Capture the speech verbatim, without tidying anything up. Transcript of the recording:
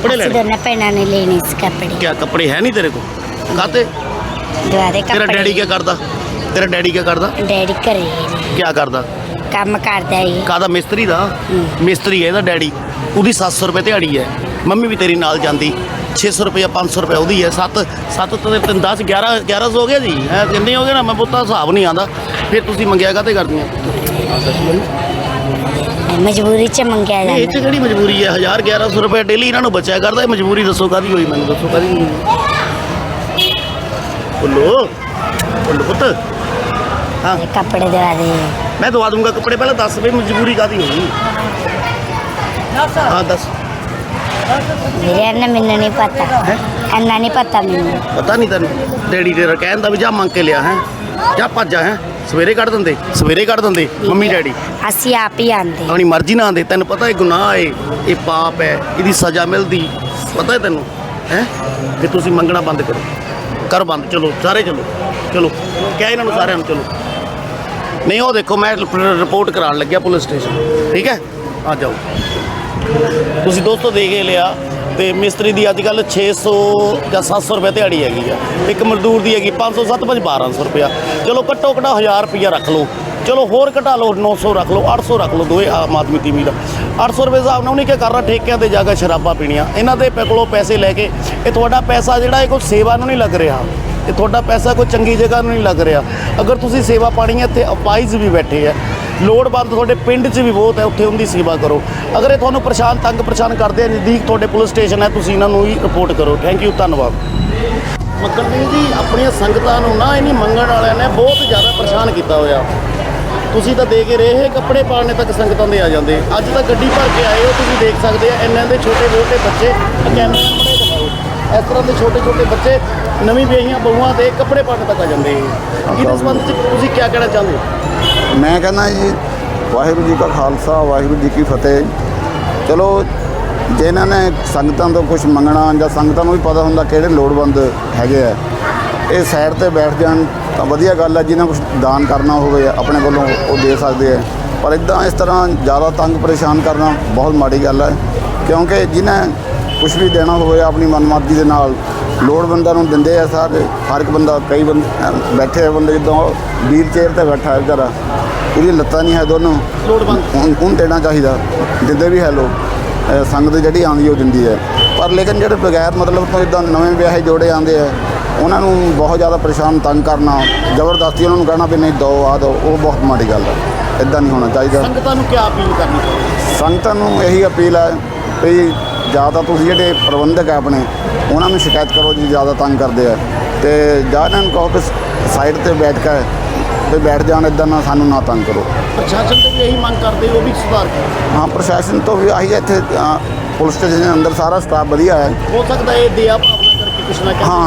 कपड़े लेने दोनों भैनों ने लेने इस कपड़े। क्या कपड़े है नहीं तेरे को काते दुआरे तेरा कपड़े। डैडी क्या करता तेरा डैडी क्या करता डैडी घरे ने क्या करता काम करदा है। ਕਾਹਦਾ ਮਿਸਤਰੀ ਦਾ ਮਿਸਤਰੀ ਹੈ ਇਹਦਾ ਡੈਡੀ ਉਹਦੀ ਸੱਤ ਸੌ ਰੁਪਏ ਦਿਹਾੜੀ ਹੈ ਮੰਮੀ ਵੀ ਤੇਰੀ ਨਾਲ ਜਾਂਦੀ ਛੇ ਸੌ ਰੁਪਏ ਪੰਜ ਸੌ ਰੁਪਏ ਉਹਦੀ ਹੈ ਸੱਤ ਸੱਤ ਤੇ ਤਿੰਨ ਦਸ ਗਿਆਰਾਂ ਗਿਆਰਾਂ ਸੌ ਹੋ ਗਿਆ ਜੀ ਹੈ ਕਿੰਨੇ ਹੋ ਗਏ ਨਾ ਮੈਂ ਪੁੱਤਾ ਹਿਸਾਬ ਨਹੀਂ ਆਉਂਦਾ ਫਿਰ ਤੁਸੀਂ ਮੰਗਿਆ ਕਾਹਤੇ ਕਰਦੀਆਂ ਮਜਬੂਰੀ ਚ ਮੰਗਿਆ ਇਹ 'ਚ ਜਾਂਦਾ। ਕਿਹੜੀ ਮਜਬੂਰੀ ਹੈ ਹਜ਼ਾਰ ਗਿਆਰਾਂ ਸੌ ਰੁਪਏ ਡੇਲੀ ਇਹਨਾਂ ਨੂੰ ਬਚਿਆ ਕਰਦਾ ਇਹ ਮਜਬੂਰੀ ਦੱਸੋ ਕਾਹਦੀ ਹੋਈ ਮੈਨੂੰ ਦੱਸੋ ਕਾਹਦੀ ਹੋਈ ਬੋਲੋ ਬੋਲੋ ਪੁੱਤ हाँ ये कपड़े दवा दे। मैं दवा दूंगा कपड़े पहले दस भाई मजबूरी कादी होगी हाँ दस मेरे अन्ना मैंने नहीं पता अन्ना नहीं पता मैंने पता नहीं तेन डैडी तेरा कहता भी जा मंग के लिया है जा भज जा है सवेरे कढ़ देंगे सवेरे कढ़ देंगे मम्मी डैडी ਅਸੀਂ ਆਪ ਹੀ ਆਂਦੇ अपनी मर्जी ना आते तेन पता है गुनाह है ये पाप है इसकी सज़ा मिलती पता है तेन है कि तुम मंगना बंद करो कर बंद चलो सारे चलो चलो क्या इन्होंने सारे चलो नहीं वो देखो मैं रिपोर्ट कराने लग्या पुलिस स्टेशन ठीक है आ जाओ तुम दोस्तों देख के लिया तो मिस्त्री की अजकल छे सौ या सत्त सौ रुपये दिहाड़ी हैगी आ एक मजदूर की हैगी पाँच सौ सत्त पंज बारह सौ रुपया चलो घट्टो घटा हज़ार रुपया रख लो चलो होर घटा लो नौ सौ रख लो अठ सौ रख लो दोए आम आदमी तीमी का अठ सौ रुपये हिसाब ने उन्हें क्या करना ठेकिया पर जाकर शराबा पीनिया इन्हों के कोलों पैसे लैके ये थोड़ा पैसा जोड़ा कोई सेवा नहीं लग रहा ये थोड़ा पैसा कोई चंगी जगह नहीं लग रहा अगर तुसी सेवा पानी है इतने अपाइज भी बैठे है लोड़वंद थोड़े पिंड च भी बहुत है उत्थे उनकी सेवा करो अगर ये थोड़ा परेशान तंग परेशान करते हैं नज़दीक थोड़े पुलिस स्टेशन है तुसी इन्हों ही रिपोर्ट करो थैंक यू धन्यवाद मक्कड़ सिंह जी अपन संगतां नूं ना इन्हीं मंगण वालियां ने बहुत ज़्यादा परेशान किया होया तुसी तो दे के रहे कपड़े पाने तक संगतां दे आ जाते अज तो गड्डी भर के आए हो तुसी देख सकते हैं इन्हों के छोटे छोटे बच्चे कैमरे बड़े दिखाओ इस तरह के छोटे छोटे बच्चे नवीं विआहियां बहुआं दे कपड़े पाने तक आ जाते हैं इस संबंध च तुसी क्या कहना चाहते हो मैं कहना जी वाहिगुरू जी का खालसा वाहिगुरू जी की फतेह चलो जे इन्हों ने संगतां तो कुछ मंगना या संगतां नूं भी पता हुंदा किहड़े लोड़वंद हैगे आ ये साइड ते बैठ जाण तां वधिया गल है जिन्हें कुछ दान करना होवे अपने कोलों वो दे सकते हैं पर इदां इस तरह ज़्यादा तंग परेशान करना बहुत माड़ी गल है क्योंकि जिन्हें कुछ भी देना होवे अपनी मनमर्जी के नाल लोड़वंदां नूं दिंदे आ सारे हर एक बंदा कई बंदे बैठे बंदे जिद्दां व्हील चेयर ते बैठा है बेचारा ਇਹਦੀ ਲੱਤਾਂ नहीं है दोनों लोड़वंद ਹੁਣ देना चाहिए दिंदे भी है लोग संगत ਜਿਹੜੀ ਆਉਂਦੀ ਉਹ ਦਿੰਦੀ ਹੈ ਪਰ ਲੇਕਿਨ ਜਿਹੜੇ ਬਗੈਰ ਮਤਲਬ ਤੋਂ ਇਦਾਂ ਨਵੇਂ ਵਿਆਹੇ ਜੋੜੇ ਆਉਂਦੇ ਆ ਉਹਨਾਂ ਨੂੰ ਬਹੁਤ ਜ਼ਿਆਦਾ ਪਰੇਸ਼ਾਨ ਤੰਗ ਕਰਨਾ ਜ਼ਬਰਦਸਤੀ ਉਹਨਾਂ ਨੂੰ ਕਹਿਣਾ ਵੀ ਨਹੀਂ ਦੋ ਆ ਦੋ ਉਹ ਬਹੁਤ ਮਾੜੀ ਗੱਲ ਹੈ ਇਦਾਂ ਨਹੀਂ ਹੋਣਾ ਚਾਹੀਦਾ ਸੰਗਤਾਂ ਨੂੰ ਕੀ ਅਪੀਲ ਕਰਨੀ ਚਾਹੀਦੀ ਸੰਗਤਾਂ ਨੂੰ ਇਹੀ ਅਪੀਲ ਹੈ ਵੀ ਜ਼ਿਆਦਾ ਤੁਸੀਂ ਜਿਹੜੇ ਪ੍ਰਬੰਧਕ ਹੈ ਆਪਣੇ ਉਹਨਾਂ ਨੂੰ ਸ਼ਿਕਾਇਤ ਕਰੋ ਜੀ ਜ਼ਿਆਦਾ ਤੰਗ ਕਰਦੇ ਆ ਤੇ ਜਾਂ ਇਹਨਾਂ ਨੂੰ ਕਹੋ ਕਿ ਸਾਈਡ ਤੇ ਬੈਠ ਕੇ ਤੇ ਬੈਠ ਜਾਣ ਇਦਾਂ ਨਾ ਸਾਨੂੰ ਨਾ ਤੰਗ ਕਰੋ ਪ੍ਰਸ਼ਾਸਨ ਤੋਂ ਵੀ ਇਹੀ ਮੰਗ ਕਰਦੇ ਉਹ ਵੀ ਸੁਧਾਰ ਕਰੋ ਹਾਂ ਪ੍ਰਸ਼ਾਸਨ ਤੋਂ ਵੀ ਆਹੀ ਇੱਥੇ ਪੁਲਿਸ ਸਟੇਸ਼ਨ ਦੇ ਅੰਦਰ ਸਾਰਾ ਸਟਾਫ ਵਧੀਆ ਹੈ ਹੋ ਸਕਦਾ ਇਹ ਦਇਆ ਭਾਵਨਾ ਕਰਕੇ ਕੁਛ ਨਾ ਕੁਛ ਹਾਂ